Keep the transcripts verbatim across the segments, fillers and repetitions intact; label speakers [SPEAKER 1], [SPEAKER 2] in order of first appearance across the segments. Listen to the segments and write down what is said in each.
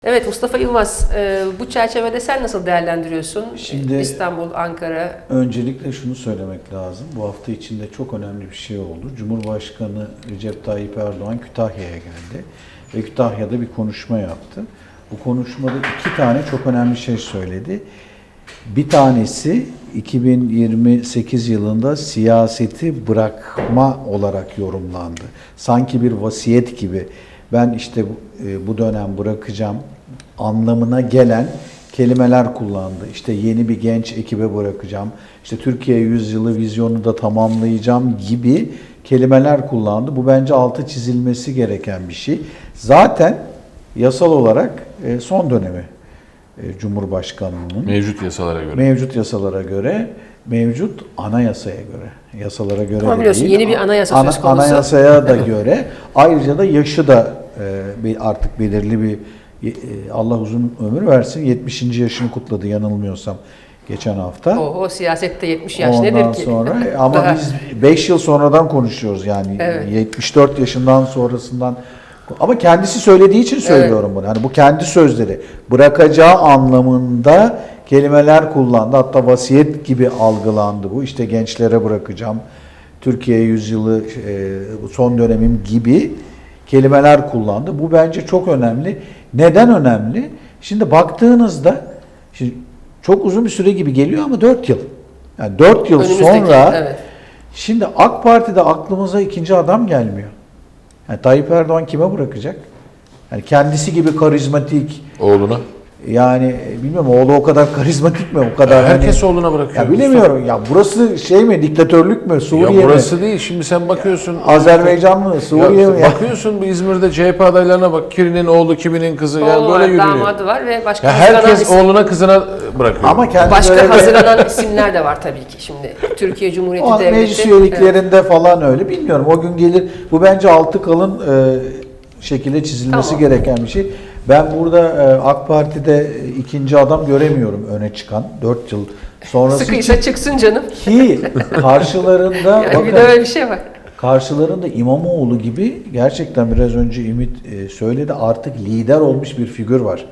[SPEAKER 1] Evet Mustafa Yılmaz, e, bu çerçevede sen nasıl değerlendiriyorsun?
[SPEAKER 2] Şimdi
[SPEAKER 1] İstanbul, Ankara.
[SPEAKER 2] Öncelikle şunu söylemek lazım. Bu hafta içinde çok önemli bir şey oldu. Cumhurbaşkanı Recep Tayyip Erdoğan Kütahya'ya geldi ve Kütahya'da bir konuşma yaptı. Bu konuşmada iki tane çok önemli şey söyledi. Bir tanesi iki bin yirmi sekiz yılında siyaseti bırakma olarak yorumlandı. Sanki bir vasiyet gibi. Ben işte bu dönem bırakacağım anlamına gelen kelimeler kullandı. İşte yeni bir genç ekibe bırakacağım, İşte Türkiye yüzyılı vizyonu da tamamlayacağım gibi kelimeler kullandı. Bu bence altı çizilmesi gereken bir şey. Zaten yasal olarak son dönemi Cumhurbaşkanlığının.
[SPEAKER 3] Mevcut yasalara göre.
[SPEAKER 2] Mevcut yasalara göre, mevcut anayasaya göre, yasalara göre
[SPEAKER 1] Ama
[SPEAKER 2] de
[SPEAKER 1] biliyorsun
[SPEAKER 2] değil,
[SPEAKER 1] yeni bir anayasa
[SPEAKER 2] ana,
[SPEAKER 1] söz konusu.
[SPEAKER 2] Anayasaya da göre, ayrıca da yaşı da e, artık belirli bir, e, Allah uzun ömür versin, yetmişinci yaşını kutladı yanılmıyorsam geçen hafta.
[SPEAKER 1] O, o siyasette yetmiş yaş
[SPEAKER 2] Ondan
[SPEAKER 1] nedir ki?
[SPEAKER 2] sonra ama
[SPEAKER 1] Daha...
[SPEAKER 2] biz beş yıl sonradan konuşuyoruz yani
[SPEAKER 1] Evet.
[SPEAKER 2] yetmiş dört yaşından sonrasından. Ama kendisi söylediği için söylüyorum bunu. Hani bu kendi sözleri. Bırakacağı anlamında kelimeler kullandı. Hatta vasiyet gibi algılandı bu. İşte gençlere bırakacağım. Türkiye yüzyılı son dönemim gibi kelimeler kullandı. Bu bence çok önemli. Neden önemli? Şimdi baktığınızda şimdi çok uzun bir süre gibi geliyor ama dört yıl. Yani dört yıl
[SPEAKER 1] Önümüzdeki,
[SPEAKER 2] sonra
[SPEAKER 1] evet.
[SPEAKER 2] Şimdi AK Parti'de aklımıza ikinci adam gelmiyor. Yani Tayyip Erdoğan kime bırakacak? Yani kendisi gibi karizmatik.
[SPEAKER 3] Oğluna.
[SPEAKER 2] Yani bilmiyorum oğlu o kadar karizmatik mi? O kadar
[SPEAKER 3] Ya herkes
[SPEAKER 2] hani,
[SPEAKER 3] oğluna bırakıyor.
[SPEAKER 2] Ya bilemiyorum. Ya burası şey mi? Diktatörlük mü? Suriye
[SPEAKER 3] Ya burası
[SPEAKER 2] mi?
[SPEAKER 3] değil. Şimdi sen bakıyorsun.
[SPEAKER 2] Azerbaycan mı? Suriye
[SPEAKER 3] ya,
[SPEAKER 2] mi? Ya?
[SPEAKER 3] Bakıyorsun bu İzmir'de C H P adaylarına bak. Kirinin oğlu, kiminin kızı.
[SPEAKER 1] Oğlu
[SPEAKER 3] Yani
[SPEAKER 1] var,
[SPEAKER 3] böyle yürüyor.
[SPEAKER 1] damadı var ve başka
[SPEAKER 3] Ya
[SPEAKER 1] hazırlanan
[SPEAKER 3] herkes
[SPEAKER 1] isim-
[SPEAKER 3] oğluna kızına bırakıyor.
[SPEAKER 2] Ama kendi
[SPEAKER 1] başka
[SPEAKER 2] böyle-
[SPEAKER 1] hazırlanan isimler de var tabii ki şimdi. Türkiye Cumhuriyeti
[SPEAKER 2] O
[SPEAKER 1] Devleti.
[SPEAKER 2] meclis üyeliklerinde evet. falan öyle. Bilmiyorum. O gün gelir. Bu bence altı kalın e, şekilde çizilmesi
[SPEAKER 1] Tamam.
[SPEAKER 2] gereken bir şey. Ben burada e, AK Parti'de ikinci adam göremiyorum öne çıkan. dört yıl sonrası
[SPEAKER 1] Sıkıysa
[SPEAKER 2] için.
[SPEAKER 1] çıksın canım.
[SPEAKER 2] Ki karşılarında
[SPEAKER 1] Yani
[SPEAKER 2] bakın,
[SPEAKER 1] bir de öyle bir şey var.
[SPEAKER 2] karşılarında İmamoğlu gibi gerçekten biraz önce Ümit e, söyledi artık lider olmuş bir figür var.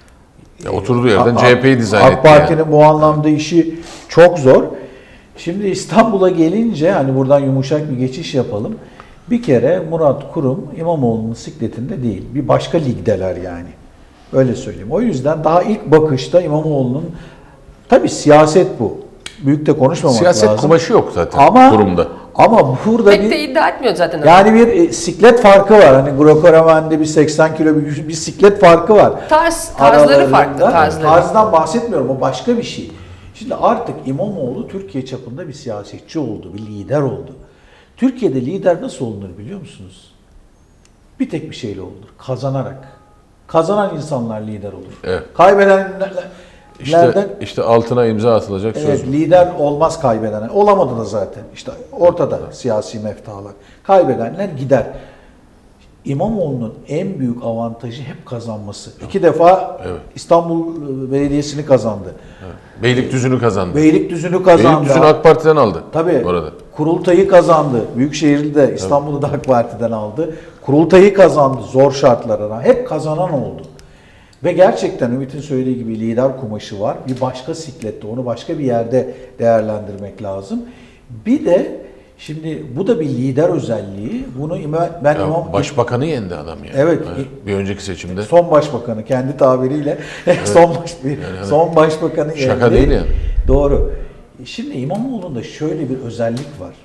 [SPEAKER 3] Ya oturduğu yerden
[SPEAKER 2] A-
[SPEAKER 3] C H P'yi dizayn etti.
[SPEAKER 2] AK Parti'nin
[SPEAKER 3] yani.
[SPEAKER 2] bu anlamda işi çok zor. Şimdi İstanbul'a gelince hani buradan yumuşak bir geçiş yapalım. Bir kere Murat Kurum İmamoğlu'nun sikletinde değil. Bir başka ligdeler yani. Öyle söyleyeyim. O yüzden daha ilk bakışta İmamoğlu'nun tabii siyaset bu. Büyük de konuşmamak
[SPEAKER 3] Siyaset
[SPEAKER 2] lazım.
[SPEAKER 3] kumaşı yok zaten
[SPEAKER 2] Ama,
[SPEAKER 3] kurumda.
[SPEAKER 2] Ama burada
[SPEAKER 1] Pek
[SPEAKER 2] bir
[SPEAKER 1] de iddia etmiyor zaten.
[SPEAKER 2] yani bir e, siklet farkı var. Hani Greco-Romen'de bir seksen kilo bir, bir siklet farkı var.
[SPEAKER 1] Tarz, tarzları
[SPEAKER 2] Aralarında.
[SPEAKER 1] farklı. Tarzları.
[SPEAKER 2] Tarzdan bahsetmiyorum. O başka bir şey. Şimdi artık İmamoğlu Türkiye çapında bir siyasetçi oldu. Bir lider oldu. Türkiye'de lider nasıl olunur biliyor musunuz? Bir tek bir şeyle olunur. Kazanarak. Kazanan insanlar lider olur.
[SPEAKER 3] Evet.
[SPEAKER 2] Kaybedenlerden
[SPEAKER 3] İşte, işte altına imza atılacak
[SPEAKER 2] evet,
[SPEAKER 3] söz.
[SPEAKER 2] lider olmaz kaybeden. Olamadı da zaten. İşte ortada siyasi meftalar. Kaybedenler gider. İmamoğlu'nun en büyük avantajı hep kazanması. İki defa
[SPEAKER 3] Evet.
[SPEAKER 2] İstanbul Belediyesi'ni kazandı.
[SPEAKER 3] Evet. Beylikdüzü'nü kazandı.
[SPEAKER 2] Beylikdüzü'nü kazandı.
[SPEAKER 3] Beylikdüzü'nü AK Parti'den aldı.
[SPEAKER 2] Tabii.
[SPEAKER 3] Orada.
[SPEAKER 2] Kurultay'ı kazandı. Büyükşehir'i de İstanbul'u da AK Parti'den aldı. Kurultay'ı kazandı zor şartlara. Hep kazanan oldu. Ve gerçekten Ümit'in söylediği gibi lider kumaşı var. Bir başka siklette, onu başka bir yerde değerlendirmek lazım. Bir de şimdi bu da bir lider özelliği. Bunu ima- ben
[SPEAKER 3] Ya
[SPEAKER 2] imam
[SPEAKER 3] başbakanı yendi adam yani.
[SPEAKER 2] Evet.
[SPEAKER 3] Bir önceki seçimde.
[SPEAKER 2] son başbakanı kendi tabiriyle son baş bir
[SPEAKER 3] Yani
[SPEAKER 2] son başbakanı
[SPEAKER 3] şaka
[SPEAKER 2] yendi.
[SPEAKER 3] değil yani.
[SPEAKER 2] Doğru. Şimdi İmamoğlu'nda şöyle bir özellik var.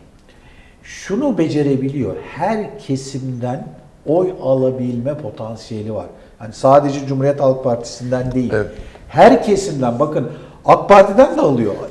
[SPEAKER 2] Şunu becerebiliyor. Her kesimden oy alabilme potansiyeli var. Yani sadece Cumhuriyet Halk Partisi'nden değil.
[SPEAKER 3] Evet.
[SPEAKER 2] Her kesimden bakın AK Parti'den de alıyor.